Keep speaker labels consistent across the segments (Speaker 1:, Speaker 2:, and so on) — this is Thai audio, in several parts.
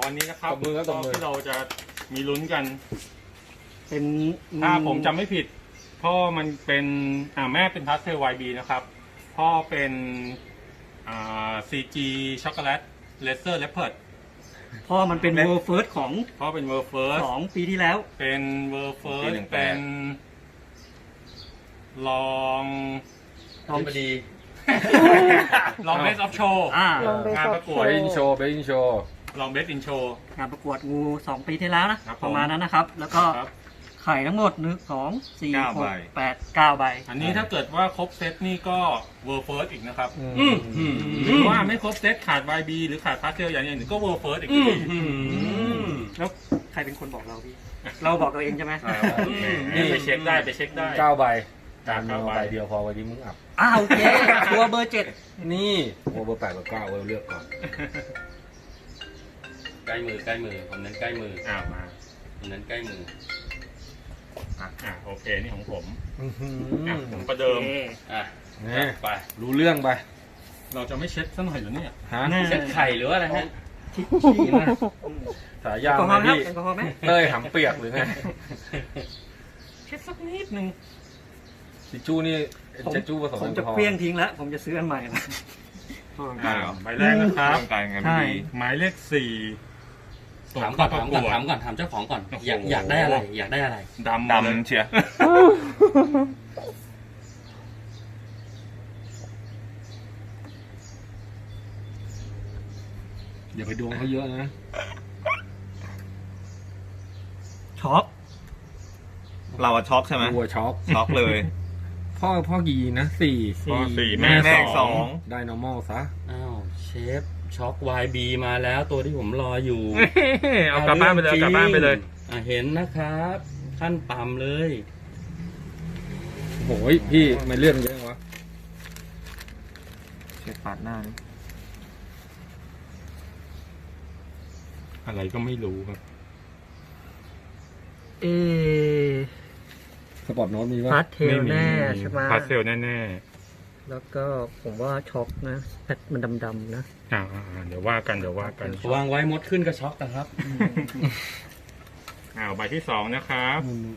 Speaker 1: วันนี้นะครับ
Speaker 2: ตบมือครับตบมือ
Speaker 1: ที่เราจะมีลุ้นกัน
Speaker 3: เป็น
Speaker 1: ถ้าผมจำไม่ผิดพ่อมันเป็นแม่เป็นพาสเทล YB นะครับพ่อเป็นCG ช็อกโกแลตเลเซอร์เลปเพิร์ด
Speaker 3: พ่อมันเป็นเวอร์เฟิร์สของ
Speaker 1: พ่อเป็นเวอร์เฟิร์ส
Speaker 3: ปีที่แล้ว
Speaker 1: เป็นเวอร์เฟิร์
Speaker 4: ปี
Speaker 1: ส
Speaker 4: 18
Speaker 1: เป็นลอง
Speaker 3: ลอง
Speaker 4: ดี
Speaker 1: ลองเบสออฟโชว์
Speaker 5: ลองไป
Speaker 1: งาน
Speaker 5: สอบ
Speaker 1: ประกวด
Speaker 2: เบอินโชว์เบอินโชว์
Speaker 1: ลองเบสอินโชว์
Speaker 3: งานประกวดงู2 ปีที่แล้วนะครับ
Speaker 1: ผม
Speaker 3: ประมาณนั้นนะครับ แล้วก็
Speaker 1: ครับ
Speaker 3: ไข่ทั้งหมด1 2 4
Speaker 4: 9 ใบ
Speaker 3: 6 8 9 ใบ
Speaker 1: อันนี้ถ้าเกิดว่าครบเซตนี่ก็เวอร์เฟิร์สอีกนะครับ
Speaker 4: หรือ
Speaker 1: ว่าไม่ครบเซตขาด YB หรือขาดพาสเทลอย่างหนึ่งก็เวอร์เฟิร์สอีก
Speaker 3: แล้วใครเป็นคนบอกเราพี่ เราบอกเราเองใช่ไหม
Speaker 1: นี่ไปเช็คได้ไปเช็คได้
Speaker 2: 9 ใบ
Speaker 1: จา
Speaker 2: การ
Speaker 1: ก
Speaker 2: เมือง
Speaker 1: 9 ใบ
Speaker 2: ใบเดียวพอวันนี้มึงอับ
Speaker 3: โอเคตัวเบอร์
Speaker 2: นี่โอ้เบอร์8เบอร์9เลือกก่อน
Speaker 4: ใกล้มือผมเน้นใกล้มือ
Speaker 1: มา
Speaker 4: ผมเน้นใกล้มือ
Speaker 1: โอเคนี่ของผม
Speaker 3: 7
Speaker 1: ผมประเดิม
Speaker 4: อ่ะ
Speaker 2: นี่
Speaker 4: ไป
Speaker 2: รู้เรื่องไป
Speaker 1: เราจะไม่เช็คซะหน่อยเหรอเนี่ย
Speaker 2: ฮะ
Speaker 4: เซ็ตไข่หรือว่าอะไรฮะ
Speaker 2: ชี้นะสายยาว
Speaker 3: แอลกอฮ
Speaker 2: ไห
Speaker 3: อ
Speaker 2: ม
Speaker 3: ล์ครับ
Speaker 2: พี่
Speaker 3: แอลกอฮอล์ไหม
Speaker 2: เต้ยหำเปียกหรือไง
Speaker 1: เช็คสักนิดนึง
Speaker 2: ทิชชู่นี่เช็ดชู่ผสม
Speaker 3: ผม
Speaker 2: แอล
Speaker 3: จะ
Speaker 2: กอฮอ
Speaker 3: เปลี่ยน
Speaker 2: ล์
Speaker 3: ทิ้งแล้ว ผมจะซื้ออันใหม่ละ
Speaker 1: ใบแรกนะครับ
Speaker 4: ร่างกายงาน
Speaker 3: ใช่
Speaker 4: ดี
Speaker 1: หมายเลข4ส่ง
Speaker 4: ถามก่
Speaker 1: เข้า
Speaker 4: อน
Speaker 1: ประ
Speaker 4: ถาม
Speaker 1: ก
Speaker 4: ก่อน
Speaker 1: วด
Speaker 4: ถามก่อนถามเจ้าของก่อน
Speaker 1: โอ้โห
Speaker 4: อยากได้อะไร อยากได้อะไร
Speaker 1: ดำเลย
Speaker 4: ดำเชียร์
Speaker 2: อย่าไปดวงเขาเยอะนะ
Speaker 3: ช็อก
Speaker 4: เราอะช็อกใช่ไหม
Speaker 2: ตัวช็อก
Speaker 4: ช็อกเลย
Speaker 2: พ่อกี่นะ4
Speaker 1: พ่อ4
Speaker 4: แม่
Speaker 1: แม่
Speaker 4: สอง
Speaker 1: 2
Speaker 2: ได้ normal ซะ
Speaker 4: อ้าวเชฟช็อก YB มาแล้วตัวที่ผมรออยู่
Speaker 1: เอากลับบ้านไปเลยเอากลับบ้านไปเลย
Speaker 4: เห็นนะครับ ขั้นต่ำเลย
Speaker 2: โอ้ยพี่ไม่เลื่อนเยอะวะ
Speaker 4: เชฟปาดหน้า
Speaker 1: อะไรก็ไม่รู้ครับ
Speaker 3: เอ
Speaker 2: สปอร์ตโน้ตมีปะ
Speaker 3: พาสเทลแน่ใช่ไหม
Speaker 1: พาสเทลแน่
Speaker 3: แล้วก็ผมว่าช็อกนะแพทมันดำๆนะ
Speaker 1: ๆเดี๋ยวว่ากันเดี๋ยวว่ากัน
Speaker 4: วางไว้มดขึ้นก็ช็อกนะครับ
Speaker 1: ใบที่2นะครับ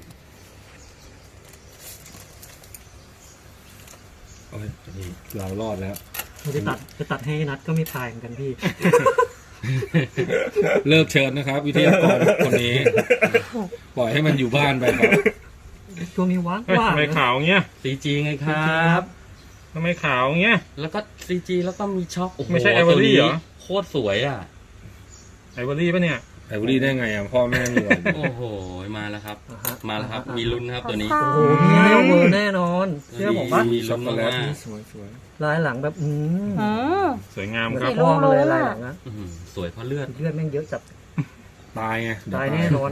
Speaker 2: โอ้ยเรารอดแล้ว
Speaker 3: จะตัดให้นัดก็ไม่พายเหมือนกันพี่
Speaker 2: เลิกเชิญนะครับ วิทยากรคนนี้ ปล่อยให้มันอยู่บ้านไปครับ
Speaker 3: ช่วงนี้ว่าง
Speaker 1: ทำไมขาวเงี้ย
Speaker 4: CG ไงครับ
Speaker 1: ทำไมขาวเงี้ย
Speaker 4: แล้วก็ CG แล้วก็มีช็อก โอ้โห
Speaker 1: ไม่ใช่ Ivory เหรอ
Speaker 4: โคตรสวยอ่ะ
Speaker 1: ไอวอรี่ปะเนี่ย
Speaker 2: ไอบุรีได้ไงอ่ะพ่อแม่มีไว้
Speaker 4: โอ้โห มาแล้วครับ มาแล้วครับ มีลุ้นครับตัวนี้
Speaker 3: โอ้โหพี่ให้เวอร์แน่นอน เชื่อผมว่า
Speaker 4: มีลุ้นมาก
Speaker 2: สวย
Speaker 3: ลายหลังแบบ
Speaker 5: อืม
Speaker 1: สวยงาม
Speaker 3: เหมือน
Speaker 1: ครับ
Speaker 3: พ่อมาเลยลายหลังนะ
Speaker 4: อื้อหือสวยเพราะเลือด
Speaker 3: เลือดแม่งเยอะจัด
Speaker 2: ตายไง
Speaker 3: ตายแน่นอน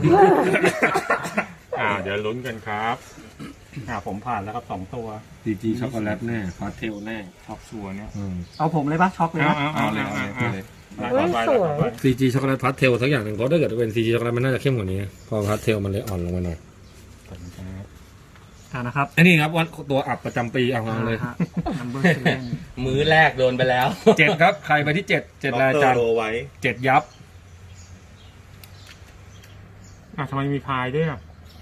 Speaker 1: เดี๋ยวลุ้นกันครับผมผ่านแล้วครับ2 ตัว
Speaker 2: ดีจีช็อกโกแลตแน่พาสเทลแน่
Speaker 1: ช็อกชัวร์เนี่ย
Speaker 3: เอาผมเลยปะช็อกเลยนะ
Speaker 4: เอาเลยเอาเลย
Speaker 2: ซีจีช็อกโกแลตพาสเทลสักอย่างหนึ่งเพราะถ้าเกิดเป็นซีจีช็อกโกแลตมันน่าจะเข้มกว่านี้พอพาสเทลมันเลยอ่อนลงมาหน่อย
Speaker 3: นะครับ
Speaker 2: อันนี้ครับวันตัวอับประจำปีเอามาเลย
Speaker 3: นัมเบอร์เซเว่น
Speaker 4: มื้อแรกโดนไปแล้ว
Speaker 2: 7 ครับ ใครไปที่ 7รายการ
Speaker 4: โลไว้
Speaker 2: 7 ยับ
Speaker 1: ทำไมมีพายด้วย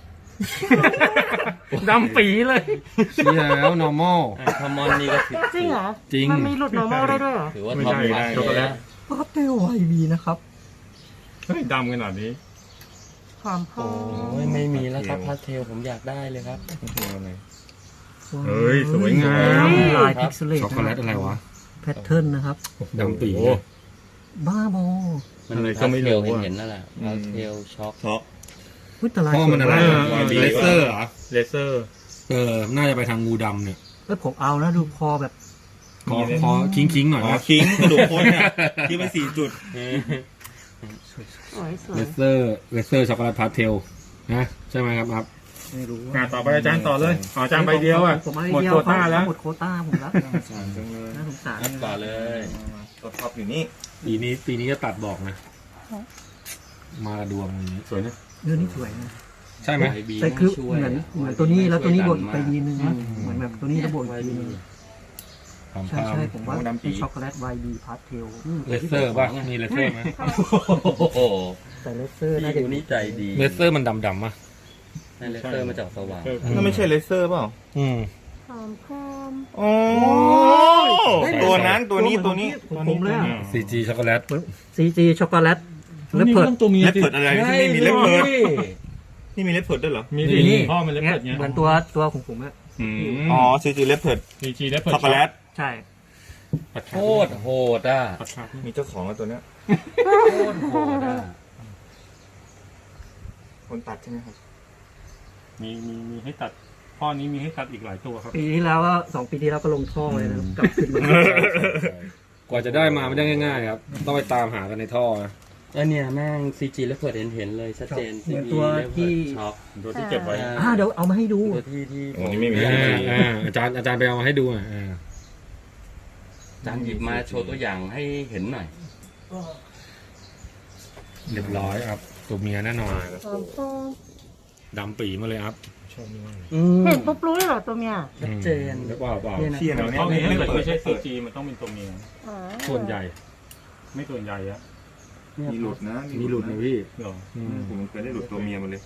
Speaker 1: ดำปีเลย
Speaker 2: เชียร์แล้ว normal
Speaker 4: ทอมอนนี่ก็ถือ
Speaker 5: จริงเหรอ
Speaker 2: จริง
Speaker 5: มันมีหลุด normal ได้ด้วยเหรอ
Speaker 4: ถือว่า
Speaker 1: ไม่
Speaker 4: ท็อป
Speaker 1: ใช่
Speaker 4: วัด
Speaker 1: ช็อกโก
Speaker 4: เล
Speaker 1: แล
Speaker 4: ย
Speaker 1: ต
Speaker 3: พาสเทลไวบีนะครับ
Speaker 1: เฮ้ยดำขนาดนี้
Speaker 5: ความหอ
Speaker 4: โอ้
Speaker 5: ม
Speaker 4: ยไม่มีแล้วครับพาสเทลผมอยากได้เลยครับ
Speaker 1: เฮ้ยสวยงาม
Speaker 3: ลายพิกเซเลต
Speaker 2: ช็อกโกแลตอะไรวะ
Speaker 3: แพทเทิร์นนะครับ
Speaker 2: ดำปี
Speaker 1: โอ้
Speaker 3: บ้าบอ
Speaker 4: มัน
Speaker 1: อะไร
Speaker 4: พา
Speaker 1: ก็
Speaker 4: ส
Speaker 1: ไม่
Speaker 4: เท
Speaker 1: รู้
Speaker 4: ล
Speaker 1: อะ
Speaker 4: เห็นนั่นแหละพาสเทลช็อก
Speaker 3: พุทธลาย
Speaker 2: พ่อมันอะไร
Speaker 1: สวยมาก
Speaker 2: เลเซอร์เหรอ
Speaker 1: เลเซอร์
Speaker 2: น่าจะไปทางงูดำเนี่ย
Speaker 3: ผมเอานะดูคอแบบ
Speaker 2: คอคิงหน่อยนะ
Speaker 6: คิงกระดูกโคตรเนี่ยที่เป็น4 จุด
Speaker 5: สวยสว
Speaker 2: เลย เซอร์ช็อกโกแลตพาสเทลนะใช่ไหมครับ
Speaker 3: ไม่รู้
Speaker 1: ต่อไปอาจารย์ต่อเลยอาจารย์ใบเดียว
Speaker 3: ผม
Speaker 1: หมดโควต้าแล้ว
Speaker 3: หมดโควต้าผมแล้ว
Speaker 6: จังเลย
Speaker 3: น่าสงสาร
Speaker 4: นับต่อเลย
Speaker 6: ตัวท็อปอยู่นี่
Speaker 2: ปีนี้จะตัดบอกนะ มาดวงอย่างนี้
Speaker 1: สวยนะ
Speaker 3: เรื่องนี้สวยนะ
Speaker 2: ใช่ไหม
Speaker 4: YB
Speaker 3: แต่คือ
Speaker 4: ช่วย
Speaker 3: เหมือนตัวนี้แล้วตัวนี้บดไปทีนึงนะเหมือนแบบตัวนี้แล้วบดไปทีนึง
Speaker 2: พความ
Speaker 3: ใช่
Speaker 2: ภาพ
Speaker 3: ใช่ผมว่า
Speaker 6: ดำปี
Speaker 3: เป็นช็อกโกแลต YB พาสเทล
Speaker 2: เลเซอร์ป่ะมีเลเซอร์ไหม
Speaker 4: โอ้โห
Speaker 3: แต่เลเซอร์
Speaker 4: พี่
Speaker 3: น่าจะ
Speaker 4: ยูนี่ใจดี
Speaker 2: เลเซอร์มันดำป่ะ
Speaker 4: ในเลเซอร์มาจากสว่าง
Speaker 6: นั่นไม่ใช่เลเซอร์เปล่า
Speaker 5: ความพร้อม
Speaker 6: โอ้ตัวนั้นตัวนี้ตัวนี้
Speaker 3: ของผมเลยอะ
Speaker 2: CG ช็อกโกแลต
Speaker 3: CG ช็อกโกแลตเลเพิร์ด
Speaker 1: ตัวเมีย
Speaker 6: เล็บเพิดอะไรที่นี่มีเล็บเพิด
Speaker 4: ฮ้ย
Speaker 6: นี่มีเล็บเพิดด้วยเหรอ
Speaker 1: มี
Speaker 3: นี่
Speaker 1: พ่อมันเล็บ
Speaker 3: เงี้ย
Speaker 1: เปิดเงี้ย
Speaker 3: เหมือนตัวของผมอะ
Speaker 6: อ๋อซีจีเล็บเพิด
Speaker 1: มีจีเล็บเปิด
Speaker 6: ช็อกโกแลต
Speaker 3: ใช่
Speaker 4: โคตรโหดอ่ะ
Speaker 6: มีเจ้าของแล้วตัวเนี้ย
Speaker 4: โคตรโหดอ่ะ
Speaker 6: คนตัดใช่ไหมครับ
Speaker 1: มีให้ตัดพ่อนี้มีให้ตัดอีกหลายตัวครับ
Speaker 3: ปีที่แล้วก็2 ปีที่แล้วก็ลงท่อเลยนะกลับขึ้นมาก
Speaker 2: ว่าจะได้มาไม่ได้ง่ายๆครับ ต้องไปตามหากันในท่อนะ
Speaker 4: แล้วเนี่ยแม่ง CG แล้วเปิดเห็นเลยชัดเจน
Speaker 3: เหมือน
Speaker 4: CG
Speaker 3: ตัวที่
Speaker 4: ช็อก
Speaker 1: ตัวที่เก็บไว้
Speaker 3: เดี๋ยวเอามาให้ดู
Speaker 4: ตัวที่
Speaker 6: โอ้นี่ไม่มี
Speaker 2: อาจารย์ไปเอามาให้ดูอ่ะ
Speaker 4: อาจารย์หยิบมาโชว์ตัวอย่างให้เห็นหน่อย
Speaker 2: เรียบร้อยครับตัวเมียแน่นอน
Speaker 5: ความพร้อม
Speaker 2: ดำปีมาเลยครับ
Speaker 5: เห็นปุ๊บรู้เลยเหรอตัวเมีย
Speaker 4: ชัดเจน
Speaker 2: เปล่าเปล่า
Speaker 3: เนี่ยนะ
Speaker 6: เที่ยงแล้วเนี่ย
Speaker 1: พ่อนี้ถ้า
Speaker 6: เล็บ
Speaker 1: เกิด
Speaker 6: เพิด
Speaker 1: ไม่ใช่ซีจีมันต้องเป็นตัวเมีย
Speaker 5: อ๋อ
Speaker 1: ส่วนใหญ่ ไม่ส่วนใหญ่อะ
Speaker 6: มีหลุดนะ
Speaker 2: มีหลุดนะพี่
Speaker 1: เหรอ
Speaker 6: ผมเคยได้หลุดตัวเมียมาเลย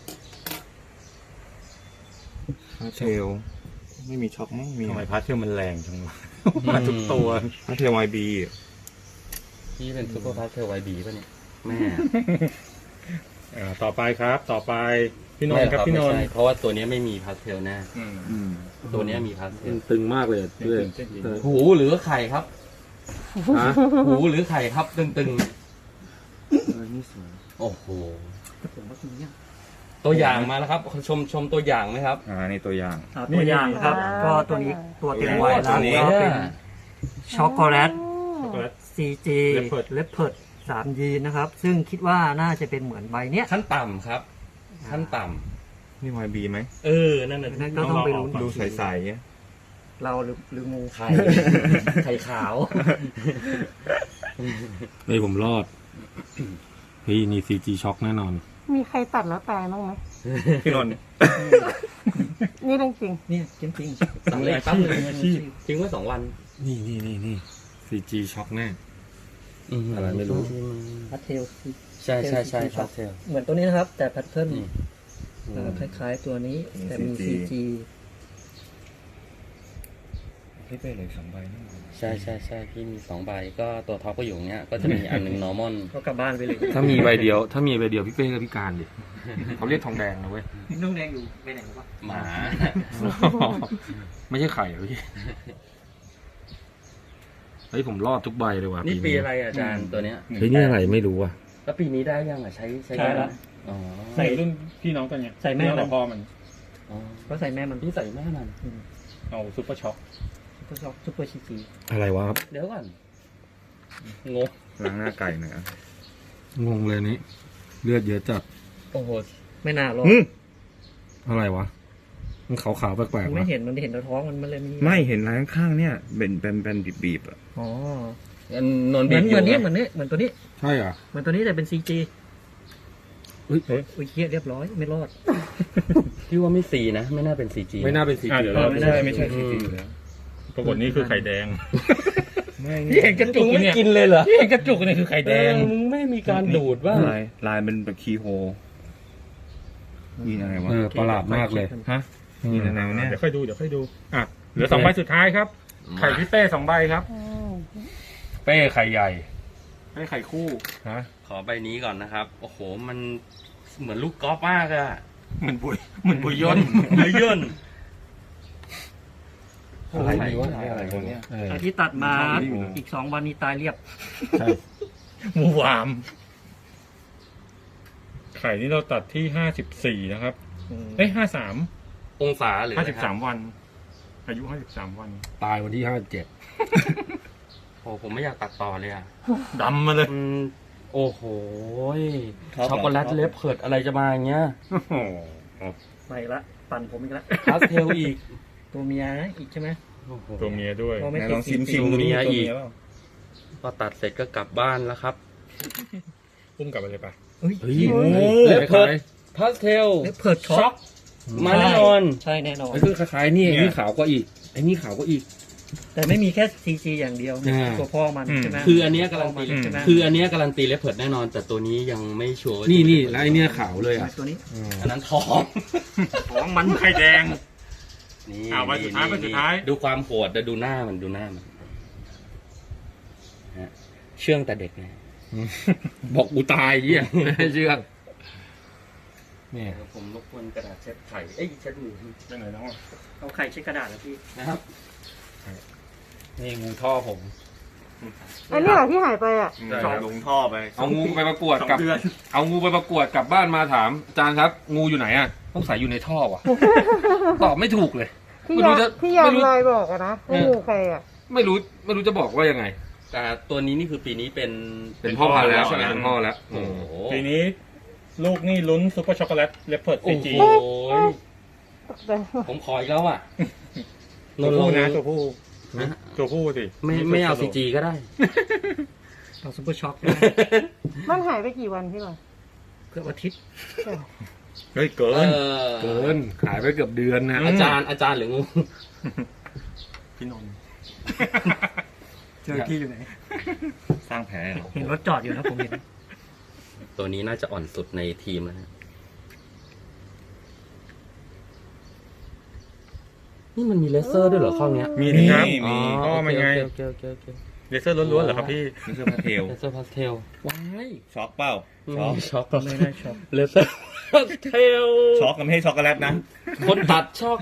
Speaker 6: เทลไม่มีช็อกมั้งมี
Speaker 2: ทำไมพาร์ทเทลมันแรงจังวะมาทุกตัว
Speaker 6: เทลไวบี
Speaker 4: พี่เป็นซุปเปอร์พาร์ทเทลไวบีป่ะเนี่ยแม่
Speaker 2: ต่อไปครับ ต่อไปพี่นน
Speaker 4: ไม่
Speaker 2: ท์
Speaker 4: ห
Speaker 2: ค
Speaker 4: ร
Speaker 2: รั
Speaker 4: อบ
Speaker 2: พี่นน
Speaker 4: ไม่
Speaker 2: ท์
Speaker 4: ใช่เพราะว่าตัวเนี้ยไม่มีพาร์ทเทลแน่
Speaker 1: อืม
Speaker 4: ตัวเนี้ยมีพาร์ทเทล
Speaker 2: ตึงมากเลยด้วย
Speaker 4: หูหรือไข่ครับ
Speaker 2: ฮะ
Speaker 4: หูหรือไข่ครับตึง
Speaker 6: นี่สวย
Speaker 4: ๆโอ้โห
Speaker 3: ผมว่าตัวเนี้ย
Speaker 4: ตัวอย่างมาแล้วครับชมตัวอย่างไหมครับ
Speaker 6: นี่ตัวอย่าง
Speaker 3: ตัวอย่างครับ ก็ตัวนี้ตัวเต็มวัยแล้ว
Speaker 6: ตัวนี้
Speaker 3: ก็เป็นช็อกโกแลต
Speaker 1: ช็อกโกแลต
Speaker 3: CG
Speaker 1: Leopard
Speaker 3: เลปเพิร์ด3 ยีนนะครับ ซึ่งคิดว่าน่าจะเป็นเหมือนใบเนี้ย
Speaker 4: ขั้นต่ำครับ ขั้นต่
Speaker 6: นี่ไวบีไหม
Speaker 4: ำนั่นน่ะ
Speaker 3: นั่นก็ต้องไปลุ้น
Speaker 6: ดูใสๆเนี่ย
Speaker 3: เราหรืองู
Speaker 4: ไข่ ไข่ขาว
Speaker 2: เฮ้ยผมรอดเฮ้ยนี่ CG ช็อกแน่นอน
Speaker 5: มีใครตัดแล้วตายบ้างไหม
Speaker 6: พี่นนท์
Speaker 5: นี่เรื่องจริง
Speaker 3: เนี่ยจริง
Speaker 4: สั่งเลยปั๊บเลยทิ้งไว้2 วัน
Speaker 2: นี่ CG ช็อกแน่ อะไรไม่รู้
Speaker 3: พัทเทล
Speaker 4: ใช่พาร์ทเทล
Speaker 3: เหมือนตัวนี้นะครับ แต่แพทเทิร์น
Speaker 4: นี่
Speaker 3: คล้ายๆตัวนี้ แต่มี CG
Speaker 6: พี่เป้เลย2 ใบนี่
Speaker 4: ใช่พี่มี2 ใบก็ตัวท็อปก็อยู่อย่างเงี้ยก็จะมีอันหนึง normal
Speaker 3: ก็กลับบ้านไปเลย
Speaker 2: ถ้ามีใบเดียวพี่เป้ก็พิการดิเขาเรียกทองแดงนะเว้ย
Speaker 3: นุ่งแดงอยู่ไปไหนวะ
Speaker 4: หมา
Speaker 2: ไม่ใช่ไข่เหรอพี่เฮ้ยผมรอดทุกใบเลยว่ะ
Speaker 4: นี่ปีอะไรอาจารย์ตัวเนี้ย
Speaker 2: เฮ้ยนี่อะไรไม่รู้อ่ะ
Speaker 4: แล้วปีนี้ได้ยังใช้
Speaker 1: ใช่แล้ว
Speaker 4: อ๋อ
Speaker 1: ใส่รุ่นพี่น้องตัวเนี้ย
Speaker 3: ใส่แม่
Speaker 1: พี่น้อง
Speaker 3: มัน
Speaker 1: กับพ่อมัน
Speaker 4: อ๋อ
Speaker 3: ก็ใส่แม่มัน
Speaker 4: พี่ใส่แม่มัน
Speaker 1: เอาซุปเปอร์ช็อค
Speaker 3: ซุปเปอร์CG
Speaker 2: อะไรวะครับ
Speaker 4: เดี๋ยวก่อนงง
Speaker 6: ล้างหน้าไก่หน่อย
Speaker 2: งงเลยนี่เลือดเยอะจัด
Speaker 4: โอ้โห
Speaker 3: ไม่น่ารอด
Speaker 2: อะไรวะมันขาวๆแปลก
Speaker 3: มัน
Speaker 2: ๆ
Speaker 3: ไม่
Speaker 2: วะ
Speaker 3: เห็นมันเห็นแต่ท้องมันเลยมี
Speaker 6: ไม่เห็นลายข้างๆเนี่ยเป็นบีบๆอ่ะ
Speaker 3: อ๋อ
Speaker 4: นน
Speaker 3: เห
Speaker 4: บี
Speaker 3: มือน
Speaker 4: บอยู่
Speaker 3: เหมือนนี้เหมือนตัวนี้
Speaker 2: ใช่เหรอ
Speaker 3: เหมือนตัวนี้แต่เป็น CG
Speaker 2: อุ้ย
Speaker 3: อุ้ยเฮียเรียบร้อยไม่รอด
Speaker 4: พี่ว่าไม่สีนะ ไม่น่าเป็น CG
Speaker 2: ไม่น่าเป็นสี
Speaker 1: เดี๋ยว
Speaker 3: เรา
Speaker 1: เรา
Speaker 3: ไม่
Speaker 1: ไม่
Speaker 3: ได้
Speaker 1: ใช่
Speaker 6: ไม่
Speaker 1: ไม่
Speaker 6: ใช่
Speaker 1: ใช่
Speaker 6: ซีจีอยู่แล้ว
Speaker 1: ปรากฏนี่คือไข่แดง
Speaker 6: ไม่
Speaker 3: เห็นกระจุก
Speaker 4: ไม่กินเลยเหรอ
Speaker 1: ที่เห็นกระจุกนี่คือไข่แดง
Speaker 4: มึงไม่มีการดูดว่า
Speaker 6: ลายเป็นแบบคีย์โฮยีนอะไรวะ
Speaker 2: ประหลาดมากเลย
Speaker 6: ฮะยีนอะไรวะเนี่ย
Speaker 1: เดี๋ยวค่อยดูอ่ะเหลือ2 ใบสุดท้ายครับ ไข่พี่เป้2 ใบครับ
Speaker 2: เป้ไข่ใหญ่
Speaker 1: ให้ไข่คู่
Speaker 2: ฮะ
Speaker 4: ขอใบนี้ก่อนนะครับ โอ้โห มันเหมือนลูกกอล์ฟมากอะ
Speaker 1: เหมือนบุยยน
Speaker 4: เลยย่น
Speaker 2: อะไรดีวะ
Speaker 6: อะไรคนเนี้ย
Speaker 3: อันที่ตัดมาอีก2 วันนี้ตายเรียบ
Speaker 2: ใช่
Speaker 1: หมูหวาม ไข่นี่เราตัดที่54นะครับ 53
Speaker 4: องศาหรืออะไรครับ
Speaker 1: 53 วัน อายุ53 วัน
Speaker 2: ตายวันที่57
Speaker 4: โอ้ผมไม่อยากตัดต่อเลยอะ
Speaker 1: ดำมาเลย
Speaker 4: โอ้โหช็อกโกแลตเลฟเพิร์ดอะไรจะมาอย่างเงี้ย
Speaker 1: โอ้โห
Speaker 3: ไปละปั่นผมอีกละ
Speaker 4: พาสเทลอีก
Speaker 3: ตัวเมียอีกใช่ไหม
Speaker 4: โอ้โห
Speaker 1: ตัวเมียด้วย
Speaker 3: ก็ไม่
Speaker 6: ไหน
Speaker 3: ติ
Speaker 6: ล
Speaker 3: ด
Speaker 6: องซิม
Speaker 3: CG
Speaker 6: ดู
Speaker 4: เมี
Speaker 6: นี่
Speaker 4: ย
Speaker 6: ตัว
Speaker 4: อีก
Speaker 6: เมียเปล่า
Speaker 4: พอตัดเสร็จก็กลับบ้านแล้วครับ
Speaker 1: อุ้มกลับไปเลยปะ
Speaker 3: เฮ้ย
Speaker 2: เฮ้ย
Speaker 4: เลฟเพิร์ดพาสเทล
Speaker 3: เลปเพิร์ดช็อก
Speaker 4: มาแน่นอน
Speaker 3: ใช่แน่นอน
Speaker 2: ไอ้คือคล้ายๆนี่ไอ้นี่ขาวกว่าอีกไอ้นี่ขาวกว่าอีก
Speaker 3: แต่ไม่มีแค่ CG อย่างเดียว ตัวพ่อมันใช่ไหม
Speaker 4: คืออันเนี้ยการันตี
Speaker 3: ใช่ไหม
Speaker 4: คืออันเนี้ยการันตีเลปเพิร์ดแน่นอน แต่ตัวนี้ยังไม่ชัวร์ว่า
Speaker 2: นี่แล้วไอเนี้ยขาวเลยอ่ะ
Speaker 3: ตัวนี้
Speaker 4: อันนั้นทอง
Speaker 1: ของมันไข่แดง
Speaker 4: นี่
Speaker 1: ใบสุดท้ายใบสุดท้าย
Speaker 4: ดูความโหดแต่ดูหน้ามันฮะเชื่องแต่เด็กไง
Speaker 2: บอกกูตายเยี่ยไม่ให้เชื่องเนี่ย
Speaker 4: เดี๋ยวผมรบกวนกระดาษเช็ดไข่เอ้ยเช็ดมือ
Speaker 1: ไปไหนแล้วอ่ะ
Speaker 3: เอาไข่เช็ดกระดาษแล้วพี่
Speaker 4: นะครับ
Speaker 2: นี่งูท่อผม
Speaker 5: อันนี้เหรอที่หายไปอ่ะ
Speaker 6: จอดลงท่อไป
Speaker 2: เอางูไปประกวด
Speaker 1: 2
Speaker 2: กับ
Speaker 1: เดือน
Speaker 2: เอางูไปประกวดกลับบ้านมาถามอาจารย์ครับ งูอยู่ไหนอ่ะต้องใส่อยู่ในท่อว่ะ ตอบไม่ถูกเลย
Speaker 5: ที่
Speaker 2: ไม่รู้
Speaker 5: ยา
Speaker 2: จะ
Speaker 5: ที่ยาม
Speaker 2: ไม่รู้
Speaker 5: ลอยบอกอะนะว่างูใครอ่ะ
Speaker 2: ไม่รู้จะบอกว่ายังไง
Speaker 4: แต่ตัวนี้นี่คือปีนี้เป็น
Speaker 2: เป็นพ่อพันธุ์แล้ว
Speaker 4: ใช่ไหม
Speaker 2: เป็นพ่อแล้ว
Speaker 4: โอ้โห
Speaker 1: ปีนี้ลูกนี่ลุ้นซุปเปอร์ช็อกโกแลตเลปเพิร์ด
Speaker 4: โอ้
Speaker 1: CG
Speaker 4: โห
Speaker 5: ตกใจ
Speaker 4: ผมขออีกแล้วอ่ะ
Speaker 1: ตัวผู้นะตัวผู้
Speaker 4: นะ
Speaker 1: ตัวผู้สิ
Speaker 4: ไม่เอาซีจีก็ได้
Speaker 3: เอาซุปเปอร์ช็อค
Speaker 5: มันหายไปกี่วันพี่หรอ
Speaker 3: เกือบอาทิตย์
Speaker 1: เฮ้ยเกิน
Speaker 2: เกินขายไปเกือบเดือนนะ
Speaker 4: อาจารย์หรืองู
Speaker 1: พี่นนท์
Speaker 3: เจอที่อยู่ไหน
Speaker 6: สร้างแผลเหรอ
Speaker 3: เห็นรถจอดอยู่นะผมเห็น
Speaker 4: ตัวนี้น่าจะอ่อนสุดในทีมแล้วนะนี่มันมีเลเซอร์ด้วยเหรอข้อเนี้ย
Speaker 1: มีนะครับ
Speaker 6: มี
Speaker 1: อ๋อมันไง
Speaker 4: โอเคโอเค
Speaker 1: เลเซอร์ล้วนๆเหรอครับพี่
Speaker 6: นี่คือพาเทล
Speaker 4: เลเซอร์พาสเทลว้าย
Speaker 6: ช็อกเปล่า ช็อก
Speaker 4: ช็อก
Speaker 3: ไม่ได้ช็อก
Speaker 4: เลเซอร์พาสเทล
Speaker 6: ช็อกกับไม่ใช่ช็อกโกแลตนะ
Speaker 4: คนตัดช็อก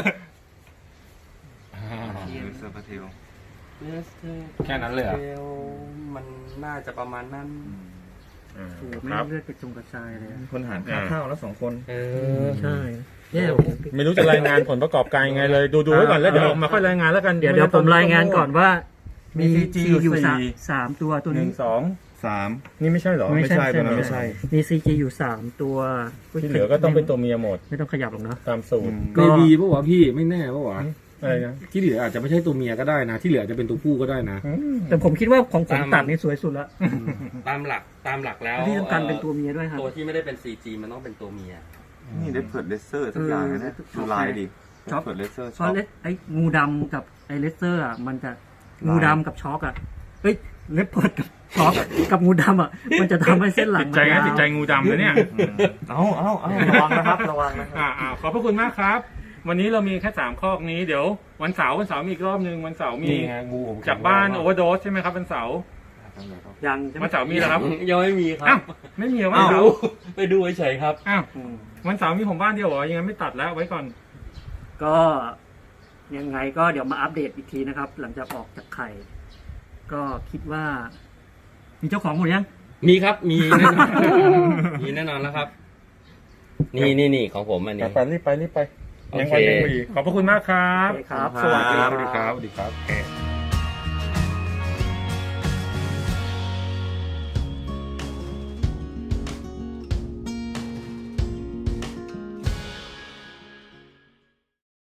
Speaker 6: เลเซอร์พาเทล
Speaker 2: แค่นั้นเลยเหรอ
Speaker 4: มันน่าจะประมาณนั้น
Speaker 3: โอ้โห
Speaker 1: ค
Speaker 3: ไม่
Speaker 1: รับ
Speaker 3: เลือดกระจงกระจายเลยอะ
Speaker 6: คนหารค่าข้าวแล้ว2 คน
Speaker 3: ใช่เนี่ย
Speaker 1: ไม่รู้จะรายงานผลประกอบการยังไงเลย ดูไว้ก่อนแล้วเดี๋ยวมาค่อยรายงานแล้วกัน
Speaker 3: เดี๋ยวผมรายงานก่อนว่า
Speaker 1: มี
Speaker 3: มี
Speaker 1: CG
Speaker 3: อยู่
Speaker 1: อยู่
Speaker 3: สามตัวตัว
Speaker 1: หนึ่
Speaker 3: นี้
Speaker 1: งสอง
Speaker 6: 3
Speaker 1: นี่ไม่ใช่เหรอ
Speaker 6: ไม่ใช่ตัวนั้นไม่ใช่
Speaker 3: มี CG อยู่3ตัว
Speaker 1: ที่เหลือก็ต้องเป็นตัวเมียหมด
Speaker 3: ไม่ต้องขยับหรอกนะ
Speaker 1: ตามสูตร
Speaker 3: ก็
Speaker 2: ไม่ดีปะวะพี่ไม่แน่ปะวะ
Speaker 1: อะไรนะ
Speaker 2: ที่เหลืออาจจะไม่ใช่ตัวเมียก็ได้นะ ที่เหลืออาจจะเป็นตัวผู้ก็ได้นะ
Speaker 3: แต่ผมคิดว่าของผมตัดนี่สวยสุดละ
Speaker 4: ตามหลักแล้ว
Speaker 3: ที่ต้องการเป็นตัวเมียด้วยครับ
Speaker 4: ตัวที่ไม่ได้เป็น CG มันต้องเป็นตัวเมีย
Speaker 6: นี่ได้เผิดเลเซอร์ทุกอย่างเลยนะดูลายดิ
Speaker 3: ช็อก
Speaker 6: เผิดเลเซอร์
Speaker 3: เพ
Speaker 6: ช็อ
Speaker 3: ราะ
Speaker 6: ก
Speaker 3: ไอ้งูดำกับไอ้เลสเตอร์อ่ะมันจะงูดำกับช็อกอ่ะเฮ้ยเลปเพิร์ดกับช็อกกับงูดำอ่ะมันจะทำให้เส้นหลัง
Speaker 1: ติดใจนะติดใจงูดำนะเนี่ย
Speaker 6: เอาระวังนะครับระวังนะครับ
Speaker 1: ขอบพระคุณมากครับ วันนี้เรามีแค่3ข้อนี้เดี๋ยววันเสาร์มีอีกรอบนึงวันเสาร์มี
Speaker 2: นี่ไงงูผม
Speaker 1: จากบ้านโอเวอร์โดสใช่ไหมครับวันเสาร์
Speaker 3: ยังใช่ไหม
Speaker 1: วันเสาร์มีแล้วครับ
Speaker 4: ยังไม่มีครั
Speaker 1: อ้า
Speaker 4: บ
Speaker 1: วไม่มีเหรอวันเสาร์
Speaker 4: ไปดูเฉยๆครับ
Speaker 1: อ้าววันเสาร์มีผมบ้านเดียวเหรอยังไงไม่ตัดแล้วไว้ก่อน
Speaker 3: ก็ยังไงก็เดี๋ยวมาอัปเดตอีกทีนะครับ หลังจากออกจากไข่ ก็คิดว่า มีเจ้าของหมดยัง
Speaker 4: มีครับ มีแน่นอน มีแน่นอนแล้วครับ นี่ของผมอันนี้
Speaker 1: ไปรีบไป
Speaker 4: โอ
Speaker 1: ยัง
Speaker 4: เค
Speaker 1: ไว้ยังไม่ดีขอบพระคุณมากครับ
Speaker 3: โอเคครับ
Speaker 1: สวัสดีครับ
Speaker 2: สวัสดีครับสวัสดีครับ